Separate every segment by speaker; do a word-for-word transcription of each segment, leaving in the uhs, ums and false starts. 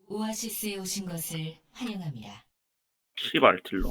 Speaker 1: 오아시스에 오신 것을 환영합니다.
Speaker 2: 씨발 딜러.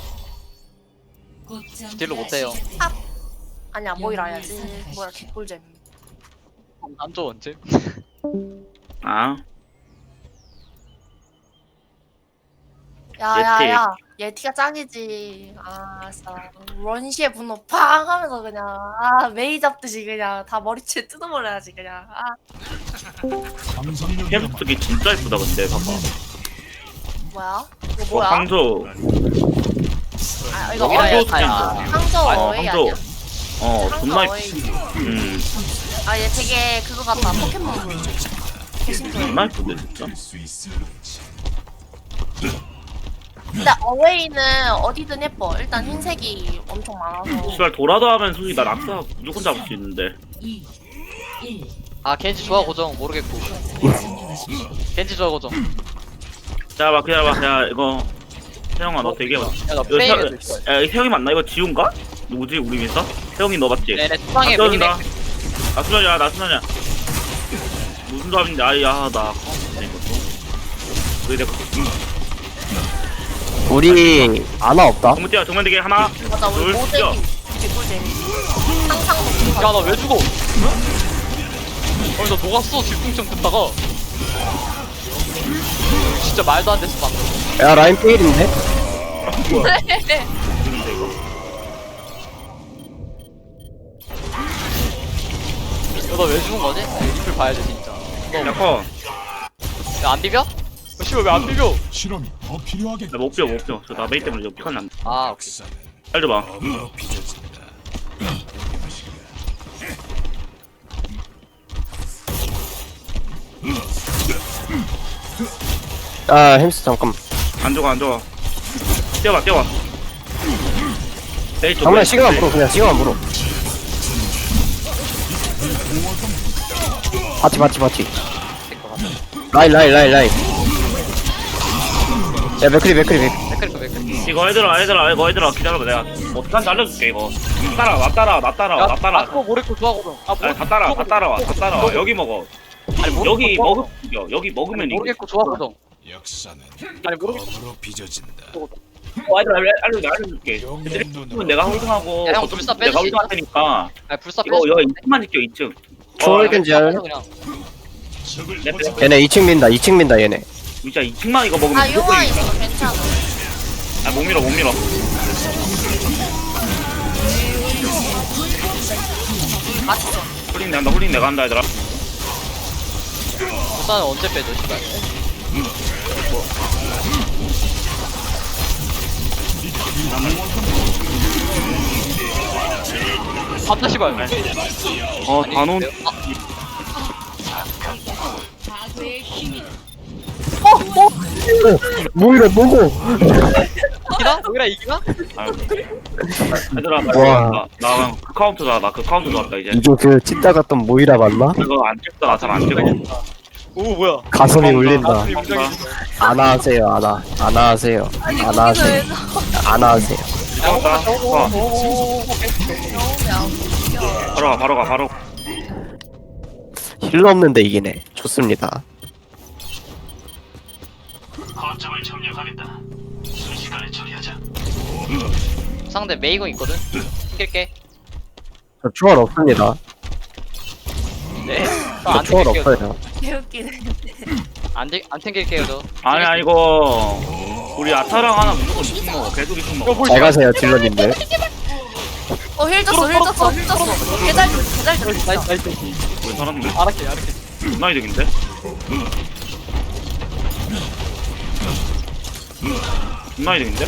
Speaker 3: 딜로 못해요.
Speaker 4: 아니야 모이라 해야지. 뭐야 개꿀잼.
Speaker 3: 안줘 언제?
Speaker 2: 아
Speaker 4: 야야야 예티가 짱이지. 아 진짜 런시의 분노 팡 하면서 그냥 아 메이 잡듯이 그냥 다 머리채 뜯어버려야지 그냥. 아
Speaker 2: 햄스기 진짜 예쁘다 근데 봐봐.
Speaker 4: 뭐야? 이거
Speaker 2: 어,
Speaker 4: 뭐야?
Speaker 2: 황조.
Speaker 4: 아 이거
Speaker 3: 여기다
Speaker 4: 어웨이
Speaker 3: 해야
Speaker 2: 스탠드.
Speaker 4: 황조
Speaker 2: 어
Speaker 4: 어웨이
Speaker 2: 황조.
Speaker 4: 아니야?
Speaker 2: 어
Speaker 4: 황조
Speaker 2: 존나
Speaker 4: 어웨이.
Speaker 2: 예쁘. 음
Speaker 4: 아 얘 되게 그거 같다 포켓몬. 개신도.
Speaker 2: 존나 예쁜데 진짜.
Speaker 4: 근데 어웨이는 어디든 예뻐. 일단 흰색이 엄청 많아서.
Speaker 2: 씨발 돌아도 하면 솔직히 나 낙사 무조건 잡을 수 있는데.
Speaker 1: 이, 일.
Speaker 3: 아 겐지 좋아 고정 모르겠고. 겐지 좋아 고정.
Speaker 2: 자 봐 그냥 봐 그냥 이거 태영아 너 되게.
Speaker 3: 야나
Speaker 2: 이거
Speaker 3: 프레이를
Speaker 2: 태, 야 태영이 맞나? 이거 지훈가? 누구지 우리 민서? 태영이 너 맞지?
Speaker 3: 네네 투방에
Speaker 2: 나
Speaker 3: 미니맥.
Speaker 2: 나 수면이야 나 수면이야. 무슨 답인데 아야 나 컴퓨터 이것도. 우리 내가
Speaker 5: 우리 아나 없다.
Speaker 2: 정문 뛰어 정문 되게 하나
Speaker 4: 맞아 우리
Speaker 2: 둘 뛰어.
Speaker 4: 모델이 개꿀잼. 항상 먹는 거.
Speaker 3: 야나 왜 죽어? 아니 나 녹았어 질풍청 듣다가. 진짜 말도 안 됐어 방금.
Speaker 5: 야 라인 페일인데?
Speaker 3: 야나 왜 죽은 거지? 유튜브 봐야 돼 진짜.
Speaker 2: 야커
Speaker 3: 야안 비벼? 어, 씨발 왜 안 비벼?
Speaker 6: 실험이 더 필요하겠다.
Speaker 2: 나못 비워 못 비워 저 나 메이 때문에 이거 피칸 난다.
Speaker 3: 아 오케이.
Speaker 2: 잘 줘봐.
Speaker 6: 업으로 빚어진다.
Speaker 5: 아 햄스 잠깐.
Speaker 2: 안 좋아 안 좋아. 뛰어봐 뛰어봐. 메이 쪽
Speaker 5: 잠깐만
Speaker 2: 메이
Speaker 5: 시간만
Speaker 2: 쪽.
Speaker 5: 물어 그냥 시간만 물어. 바티 바티 바티. 라인 라인 라인 라인. 야 맥크리 맥크리 맥.
Speaker 3: 맥크리커 맥크리.
Speaker 2: 이거 얘들아 얘들아 이거 얘들아 기다려봐 내가 어떻게 알려줄게 이거. 따라 나 따라 나 따라 나 따라.
Speaker 3: 아 그거 모르겠고 좋아 고정. 아
Speaker 2: 아니, 다 따라 다 따라와 다 따라와 여기 먹어.
Speaker 3: 아니 모르겠고
Speaker 2: 여기
Speaker 3: 좋아
Speaker 2: 먹으면
Speaker 3: 고정.
Speaker 2: 이겨 여기 먹으면 이겨.
Speaker 3: 모르겠고 좋아 고정.
Speaker 6: 역사는
Speaker 3: 아니 모르겠고.
Speaker 6: 업으로 빚어진다.
Speaker 2: 어, 얘들아 알려 알려줄게.
Speaker 6: 영웅의
Speaker 2: 그러면
Speaker 6: 눈으로
Speaker 2: 내가 홀딩하고
Speaker 3: 야, 형 불사 빼줄
Speaker 2: 내가
Speaker 3: 수
Speaker 2: 홀딩할 테니까
Speaker 3: 아니 불사
Speaker 2: 이거
Speaker 3: 빼줘.
Speaker 2: 여기 이 층만 지켜 이 층.
Speaker 5: 초월 겐지 할래?
Speaker 3: 그냥.
Speaker 2: 내 내-
Speaker 5: 얘네 이 층 민다 이 층 민다 얘네.
Speaker 2: 진짜 이 층만 이거 먹으면
Speaker 4: 아
Speaker 2: 무조건
Speaker 4: 용화
Speaker 2: 이겨.
Speaker 4: 있어 괜찮아.
Speaker 2: 아못 밀어 못 밀어.
Speaker 4: 맛있어.
Speaker 2: 홀딩 내가 한다 홀딩 내가 한다 얘들아.
Speaker 3: 불사는 언제 빼줘 씨발. 갑자 씨발.
Speaker 2: 어 단원.
Speaker 5: 뭐 이래 뭐고?
Speaker 3: 이기나? 여기라 이기나?
Speaker 2: 아유. 얘들아 나
Speaker 5: 와.
Speaker 2: 나, 나 카운터다 나 그 카운터 좋았다 이제.
Speaker 5: 이거 그 찍다 갔던 모이라 맞나?
Speaker 2: 이거 안 찍다 나 잘 안 찍어.
Speaker 3: 오 뭐야?
Speaker 5: 가슴이 울린다.
Speaker 3: 가슴이 웅장해.
Speaker 5: 안아하세요 안아 안아하세요 안아하세요 안아하세요.
Speaker 2: 찍었다. 어,
Speaker 4: 너무
Speaker 2: 바로 가 바로 가 바로.
Speaker 5: 힐러 없는데 이기네. 좋습니다.
Speaker 3: 상대 메이공 있거든? 낄게.
Speaker 5: 저 초월 없습니다.
Speaker 3: 네.
Speaker 5: 저
Speaker 3: 안
Speaker 5: 초월
Speaker 3: 튕길게요.
Speaker 5: 없어요.
Speaker 4: 개웃기네.
Speaker 3: 안, 튕- 안 튕길게요 저.
Speaker 2: 아니 아니 이거 우리 아타랑 하나 무조건 이층 먹어. 계속 이층 먹어.
Speaker 5: 잘 가세요 딜러님들.
Speaker 4: 어힐 줬어 힐 줬어 힐 줬어. 개잘 줬어 개잘 줬어.
Speaker 3: 나이스 나이스.
Speaker 2: 우리 사람들
Speaker 3: 알았게 알았게.
Speaker 2: 존나 이득인데? 존나 이득인데?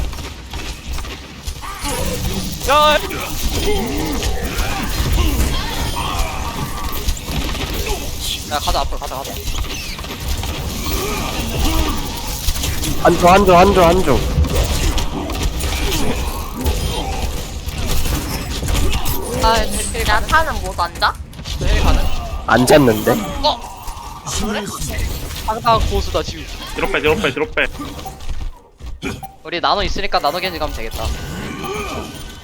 Speaker 3: 야! 야 가자 앞으로 가자 가자.
Speaker 5: 한조 한조 한조 한조.
Speaker 4: 아 야타는 못 앉아?
Speaker 3: 헬 가능?
Speaker 5: 안 잤는데?
Speaker 3: 어! 상당 고수다 지금.
Speaker 2: 뒤로 빼 뒤로 빼 뒤로 빼.
Speaker 3: 우리 나노 있으니까 나노 겐지 가면 되겠다.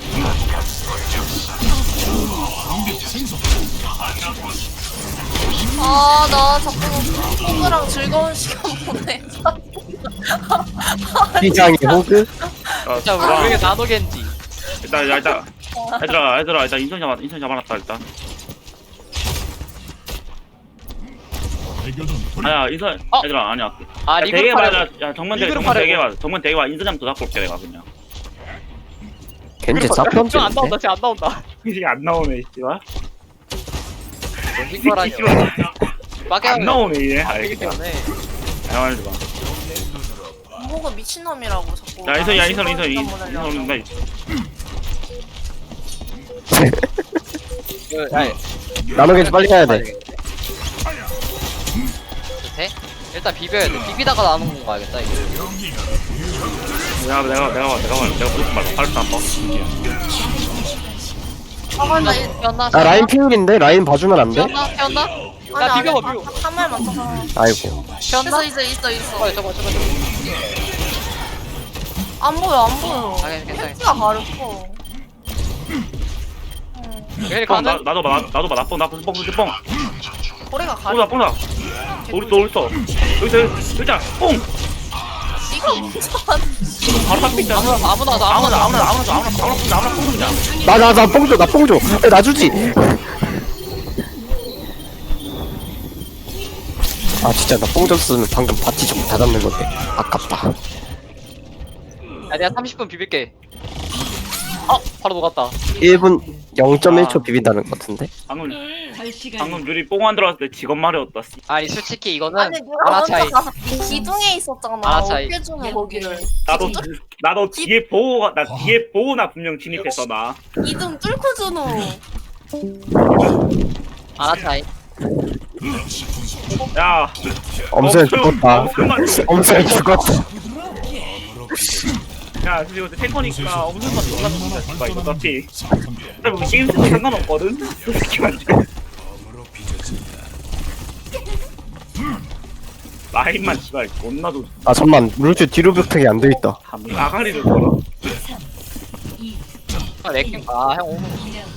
Speaker 6: 생성.
Speaker 4: 아, 나 자꾸 호그랑 즐거운 시간 보내.
Speaker 5: 피장이 호그?
Speaker 2: 야,
Speaker 3: 진짜 왜
Speaker 2: 와,
Speaker 3: 이렇게 나노겐지.
Speaker 2: 일단 야, 일단 얘들아 얘들아 일단 인선 잡아 인선 잡아놨다 일단.
Speaker 6: 발견은 돌
Speaker 2: 아야 인선
Speaker 3: 어?
Speaker 2: 얘들아 아니야.
Speaker 3: 아
Speaker 2: 야,
Speaker 3: 리그룹
Speaker 2: 되게
Speaker 3: 하려고.
Speaker 2: 맞아. 야 정면 되게
Speaker 3: 리그룹
Speaker 2: 정면 되게
Speaker 3: 하려고.
Speaker 2: 맞아. 정면 되게 맞아. 인선 잡고 잡고 올게 내가 그냥.
Speaker 5: 겐지
Speaker 3: 안 나온다
Speaker 5: 쌉편인데?
Speaker 3: 진짜 안 나온다.
Speaker 2: 이게 안 나오네 씨발.
Speaker 3: 이거라니.
Speaker 2: 안 나오네 얘.
Speaker 3: 알기
Speaker 2: 알겠다.
Speaker 3: 때문에.
Speaker 2: 야 말지 마.
Speaker 4: 호그 미친놈이라고 자꾸.
Speaker 2: 야 인선 야 인선
Speaker 4: 나
Speaker 2: 인선
Speaker 4: 즐거운
Speaker 2: 인선
Speaker 4: 시간 보내려고.
Speaker 2: 인선
Speaker 3: 그, 아니,
Speaker 5: 나노 겐지 빨리 가야 돼.
Speaker 3: 돼? 일단 비벼야 돼. 비비다가 나오는 건 가야겠다 이거.
Speaker 2: 내가 내가 내가 봐 내가 봐 내가 무슨 말 발도 안 봐.
Speaker 4: 아, 맞아. 이-
Speaker 3: 피었나?
Speaker 5: 아 라인 피울인데? 라인 봐주면 안 돼?
Speaker 3: 피었나? 피었나?
Speaker 4: 아니,
Speaker 3: 야 비벼봐
Speaker 4: 아니,
Speaker 3: 비벼.
Speaker 4: 한 말 맞춰서.
Speaker 5: 아이고.
Speaker 3: 피었나?
Speaker 4: 있어, 있어, 있어, 있어.
Speaker 3: 저거 저거 저거 저거.
Speaker 4: 안 보여, 안 보여.
Speaker 3: 아 괜찮아.
Speaker 4: 팩트가 가렵고.
Speaker 3: 왜
Speaker 2: 뻥 나,
Speaker 3: 가는?
Speaker 2: 나도 봐 나- 나도 봐 나뽕 나뽕 뽕 뽕 뽕.
Speaker 4: 거리가
Speaker 2: 뽕다
Speaker 4: 가렵고.
Speaker 2: 뽕다. 우리 또 우리 또 여기 있어 여기 있다 뽕.
Speaker 4: 이거 무슨
Speaker 2: 바로 딱 삐자.
Speaker 3: 아무나 아무나 나
Speaker 2: 아무나
Speaker 3: 아무나
Speaker 2: 아무나 아무나 아무나 아무나 아무나 뽕이야.
Speaker 5: 나, 나, 나 뽕 줘, 나 뽕 줘. 야, 나 주지. 아, 진짜 나 뽕 줬으면 방금 바티 좀 닫았는 건데. 아깝다.
Speaker 3: 야 내가 삼십 분 비빌게. 어 바로 녹았다.
Speaker 5: 일 분 영 점 일 초 비빈다는 것 같은데?
Speaker 2: 방금 방금 유리 뽕안 들어왔을 때 직업 말이었다. 씨.
Speaker 3: 아니 솔직히 이거는
Speaker 4: 아니 누가
Speaker 3: 하나
Speaker 4: 먼저
Speaker 3: 차이.
Speaker 4: 가서 기둥에 있었잖아.
Speaker 3: 하나 차이.
Speaker 4: 어떻게 주는 거기를.
Speaker 2: 나도
Speaker 4: 기둥 뚫-
Speaker 2: 나도 뒤에 보고 나 뒤에 보고 나 분명 진입했어 나.
Speaker 4: 기둥 뚫고 주노.
Speaker 3: 아나 차이.
Speaker 2: 야.
Speaker 5: 엄살 죽었다.
Speaker 2: 엄청난
Speaker 5: 엄살 죽었다.
Speaker 2: 야 지금 이거 탱커니까 엄청난 존나 죽는다 씨발 이거 어차피.
Speaker 6: 상성계
Speaker 2: 근데 뭐 게임 스도 상관없거든. 솔직히 말해.
Speaker 6: 검으로 빚어진다.
Speaker 2: 라인만 씨발 존나 좋.
Speaker 5: 아, 잠만. 루즈 뒤로 벽팩이 안 돼 있다.
Speaker 2: 아가리를 걸어.
Speaker 3: 아 렉킹. 아형 오면.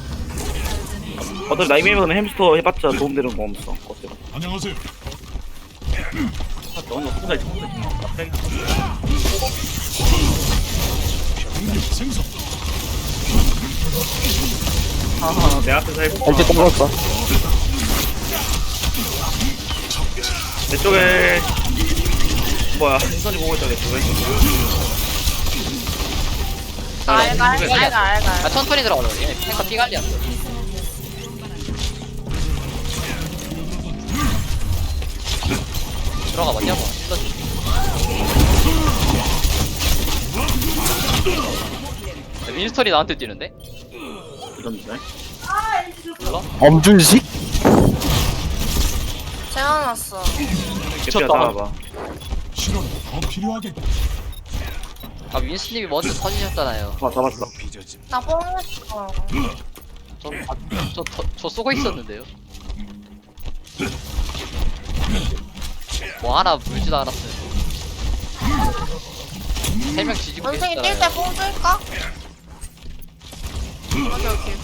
Speaker 2: 어차피 나이메이는 햄스터 해봤자 도움되는 거 없어. 어때?
Speaker 6: 안녕하세요.
Speaker 2: 너는 혼자 있어. 혼자 있어. 갑자기.
Speaker 6: 병력 생성.
Speaker 2: 하하 내 앞에서 해보.
Speaker 5: 겐지 떨궜어.
Speaker 2: 내 쪽에 뭐야 인선이 보고 있다 내 쪽에.
Speaker 4: 알갈 알갈 알갈.
Speaker 3: 아 천천히 들어가자. 얘 탱커 피갈리야. 들어가 봤냐 뭐. 야, 윈스턴이 나한테 뛰는데?
Speaker 2: 이런데.
Speaker 3: 몰라?
Speaker 5: 엄준식?
Speaker 4: 재워놨어.
Speaker 2: 개피야 따라봐.
Speaker 6: 실험이 더 필요하겠다.
Speaker 3: 아 윈스님이 먼저 터지셨잖아요.
Speaker 2: 봐 잡았어.
Speaker 4: 나 뽕했어.
Speaker 3: 저, 아, 저, 저, 저 쏘고 있었는데요. 뭐 하나 물지도 않았어요. 세 명 뒤지고
Speaker 4: 원숭이 뛸
Speaker 3: 계셨잖아요.
Speaker 4: 때 뽕 줄까? 오케이 오케이.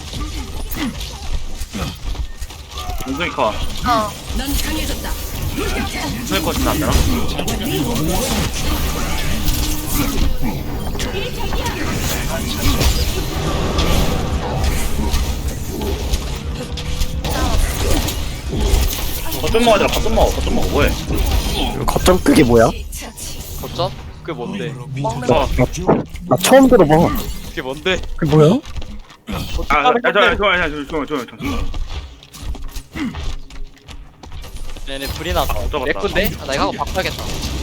Speaker 2: 인선이 커.
Speaker 4: 어.
Speaker 2: 인선이 커 진짜 안 되나? 거점 먹어야 돼. 거점 먹어. 거점 먹어. 뭐해?
Speaker 5: 거점 그게 뭐야?
Speaker 3: 거점? 그게 뭔데?
Speaker 4: 먹는
Speaker 2: 어.
Speaker 5: 나 처음 들어봐.
Speaker 3: 그게 뭔데?
Speaker 5: 그게 뭐야?
Speaker 2: 아, 야, 야, 저, 저, 야, 저, 저, 저, 저, 저.
Speaker 3: 얘네 불이 났다.
Speaker 2: 아, 잡았다.
Speaker 3: 맥군데? 아, 나 이거 하고 바꿔야겠다.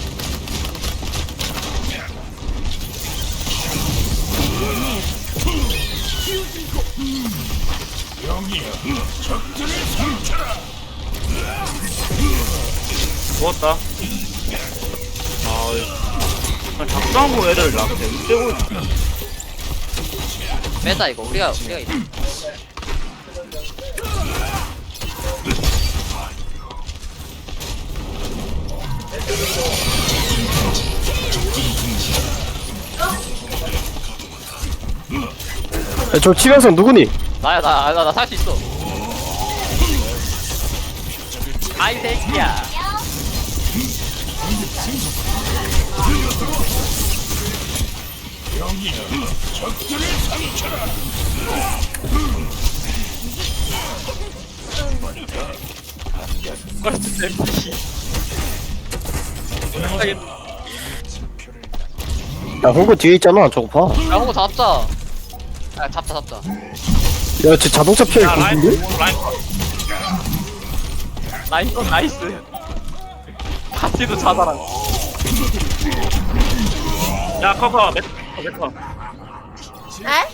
Speaker 2: 죽었다. 아, 그냥 작성하고 애들 나한테 떼고 있어.
Speaker 3: 빼자 이거. 우리가 우리가 있-
Speaker 5: 야, 저 치명성 누구니?
Speaker 3: 나야 나나나 살 수 있어. 아이 새끼야.
Speaker 6: 병력 생성. 여기야. 적들을 상처라.
Speaker 5: 야 홍구 뒤에 있잖아 저거 봐.
Speaker 3: 야 호구 잡자. 야 잡자 잡자.
Speaker 5: 야 쟤 자동차 피해
Speaker 2: 야 라인
Speaker 5: 공인데?
Speaker 2: 라인 컷.
Speaker 3: 나이스 나이스. 파티도 자살한.
Speaker 2: 야 커커 메커 메커.
Speaker 4: 에?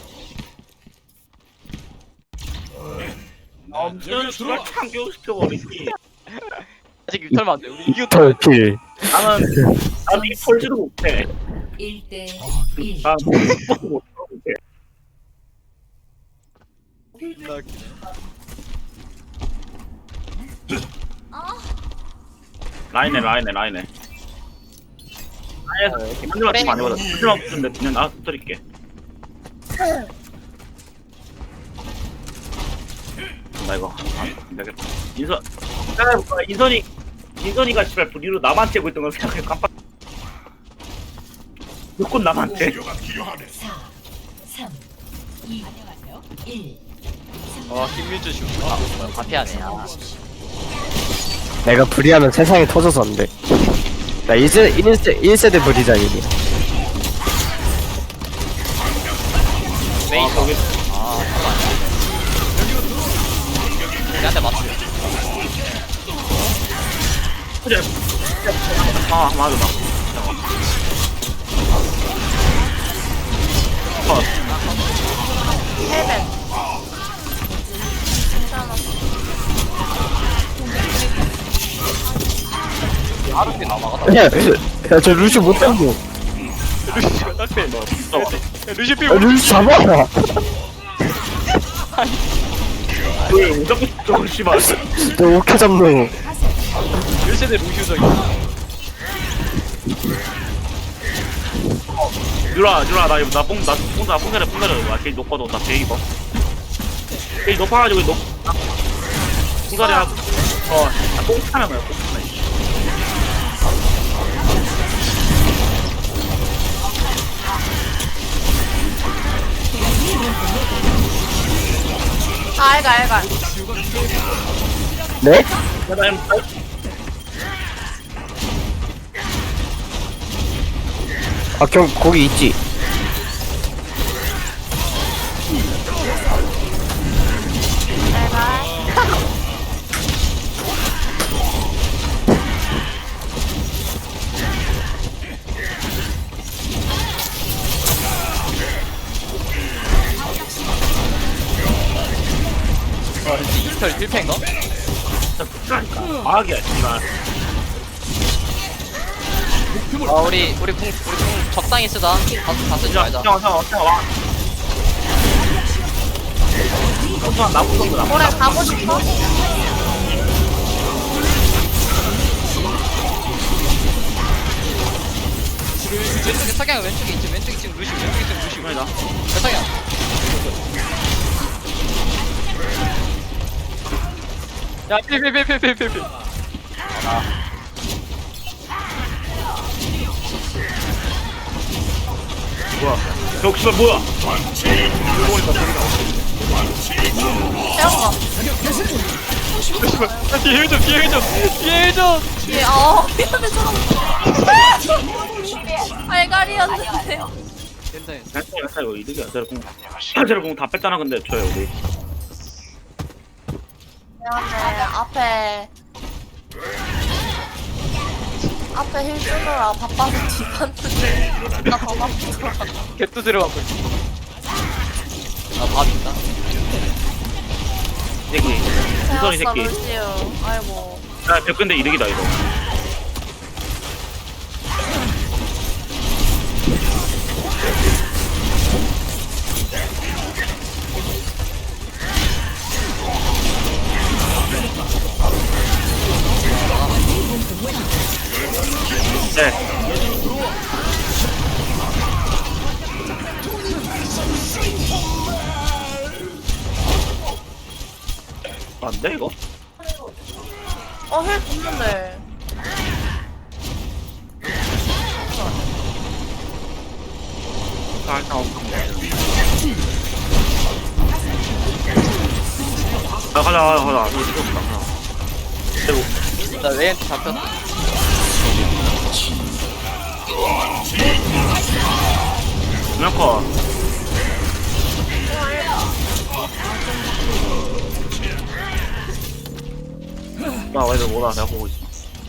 Speaker 2: 엄청 수를 참교시켜버리지.
Speaker 3: 아직 유탈만 안 돼. 우리 이겼다.
Speaker 5: 털필.
Speaker 2: 나는 나는 이 폴지도 못해.
Speaker 1: 일 대 일.
Speaker 2: 난 못 못해. 라인에 라인에 라인에. 라인에서 한줄만 치면 안 되거든. 한줄만 붙는데 그냥 나 붙들게. 나 이거 안 되겠다. 인선, 생각해볼까? 인선이 인선이가 씨발 부리로 나만 째고 있던 걸 생각해 깜빡. 무조건 나만 째.
Speaker 6: 치료가 필요하네.
Speaker 1: 사, 삼, 이, 일.
Speaker 3: 어 김민주 슈. 아 뭐야 파티하네. 아.
Speaker 5: 내가 불이하면 세상이 터져서 안 돼. 나 일 세, 일 세, 일 세대 불이장이니.
Speaker 3: 메인 저기. 아 잠깐. 얘한테 맞춰.
Speaker 2: 그래. 아 맞아 나. 컷.
Speaker 4: 헬멧. 괜찮아.
Speaker 3: 하루씩 남아가다.
Speaker 5: 야, 야, 저 루시 못하고.
Speaker 3: 루시가 딱대.
Speaker 2: 너 진짜 어때?
Speaker 3: 루시 피.
Speaker 5: 야, 루시 잡아.
Speaker 2: 왜 무조건 저걸 씨발.
Speaker 5: 너 오케 잡노.
Speaker 3: 일 세대 루시적이.
Speaker 2: 유라 유라 나 이거 나뽕나 뽕나 뽕자래 뽕자래 나 제일 높거든 나 제일 입어. 제일 높아가지고 높. 뽕자리 하고. 어뽕 차면 뭐야 뽕 차면.
Speaker 4: 아, 알가, 알가.
Speaker 5: 네?
Speaker 2: 나 임.
Speaker 5: 아, 경, 거기 있지.
Speaker 4: 알가.
Speaker 3: 와 이스털 필패인가?
Speaker 2: 아기야 씨발.
Speaker 3: 아 우리 우리 궁 우리 궁 적당히 쓰다. 다, 다 쓰지
Speaker 2: 자,
Speaker 3: 말자.
Speaker 2: 형, 형, 형, 와. 형만 나쁜 놈도 나쁜
Speaker 4: 뭐래, 가고 싶어?
Speaker 3: 왼쪽에 석양 왼쪽에 있지. 왼쪽에 지금 루시 왼쪽에 지금 루시.
Speaker 2: 놈이다.
Speaker 3: 야, 석양. 야 필필필필필필.
Speaker 2: 뭐야? 형, 씨발 뭐야?
Speaker 4: 태웠어.
Speaker 3: 뒤에 해줘 뒤에 해줘 뒤에 해줘.
Speaker 4: 예, 어, 미안해, 저런. 알갈이었는데.
Speaker 3: 괜찮아.
Speaker 2: 괜찮아, 괜찮아, 이거 이득이야. 제로 공, 제로 공다 뺐잖아. 근데 저요 우리.
Speaker 4: 미안해, 앞에. 앞에 힐 주느라 바빠서 뒤봤는데. 나 더 바쁘더라.
Speaker 3: 개뚜 들어가고 있어. 아밥 있다.
Speaker 2: 이 새끼. 이선이
Speaker 4: 태웠어,
Speaker 2: 새끼.
Speaker 4: 루시우. 아이고.
Speaker 2: 야, 백 근데 이득이다 이거. 네. 안 돼, 이거?
Speaker 4: 어힐 줬는데.
Speaker 2: 아, 일단 없어. 아, 가자, 가자, 가자. 이거 미쳤다. 그리고,
Speaker 3: 나 레이한테 잡혔어.
Speaker 2: 그냥 커. 나 왜 뭐다, 내가 보고 있어.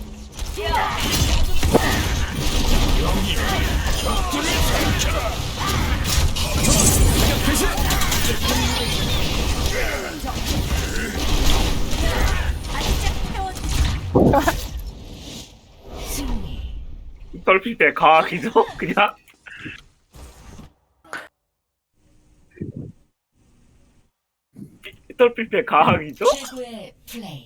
Speaker 1: 승리.
Speaker 2: 떨필 때 가기죠? 그냥? 떨필 때 가기죠?
Speaker 1: 최고의 플레이.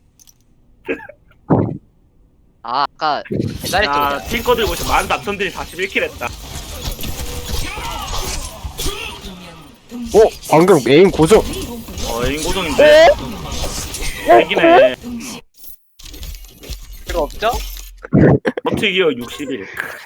Speaker 3: 아 아까 옛날에
Speaker 2: 아,
Speaker 3: 좀
Speaker 2: 핑거 들고 있어. 만 남성들이 사십일 킬 했다.
Speaker 5: 어? 방금 에임 고정.
Speaker 2: 어, 인고정인데? 이기네.
Speaker 3: 필요 없죠?
Speaker 2: 버티기어 육십일.